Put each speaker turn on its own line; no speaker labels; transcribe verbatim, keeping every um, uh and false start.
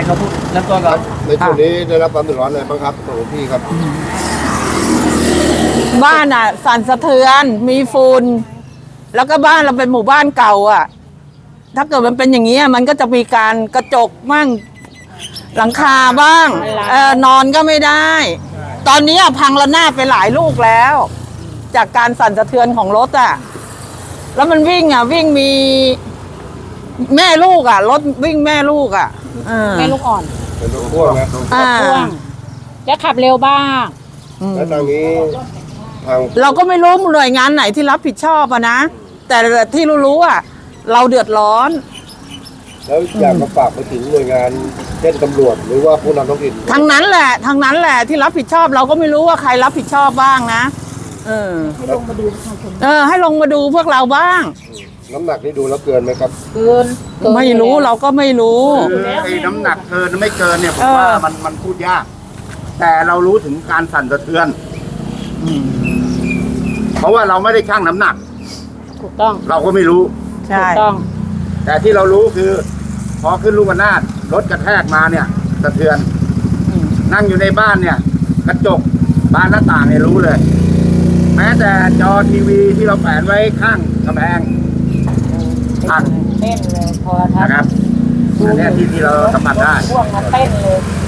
เราพูดเริ่มต้นก่อน
ในช่วงนี้ได้รับความเดือดร้อนอะไรบ้างครับของพี่ครับ
บ้านอ่ะสั่นสะเทือนมีฝุ่นแล้วก็บ้านเราเป็นหมู่บ้านเก่าอ่ะ ถ้าเกิดมันเป็นอย่างนี้มันก็จะมีการกระจกมั่งหลังคาบ้างเออนอนก็ไม่ได้ ตอนนี้พังระนาดไปหลายลูกแล้ว จากการสั่นสะเทือนของรถอ่ะแล้วมันวิ่งอ่ะวิ่งมีแม่ลูกอ่ะรถวิ่งแม่ลูกอ่ะเออ
แม่ลูกอ่อน
เป็นรถพ่วงนะ
อ่า
พ่วงแล้วขับเร็วบ้าง
แล้วทางนี้ทาง
เราก็ไม่รู้หน่วยงานไหนที่รับผิดชอบอะนะแต่ที่รู้ๆอ่ะเราเดือดร้อน
แล้วอยากมาฝากไปถึงหน่วยงานเช่นตำรวจหรือว่าผู้นำท้องถิ่น
ทางนั้นแหละทางนั้นแหละที่รับผิดชอบ เราก็ไม่รู้ว่าใครรับผิดชอบบ้างนะเออให้ลงมาดูเออให้ลงมาดูพวกเราบ้าง
น้ำหนักนี่ดูแล้วเกินไหมครับ
เกิน
ไม่รู้เราก็ไม่รู้
คือไอ้น้ำหนักเกินไม่เกินเนี่ยผม
เออ
ว่ามันมันพูดยาก แต่เรารู้ถึงการสั่นสะเทือน เพราะว่าเราไม่ได้ชั่งน้ำหนัก
ถูกต้อง
เราก็ไม่รู้
ใช่
ถูกต้อง
แต่ที่เรารู้คือ พอขึ้นลูกระนาดรถกระแทกมาเนี่ยสะเทือน นั่งอยู่ในบ้านเนี่ย กระจกบานหน้าต่างเนี่ยรู้เลย แม้แต่จอทีวีที่เราแขวนไว้ข้างกำแพงหัก
เต้นเลยพอทั
นะครับอันเนี้ยที่ที่เราสัมผัสได้
พ่วงมาเต้นเลย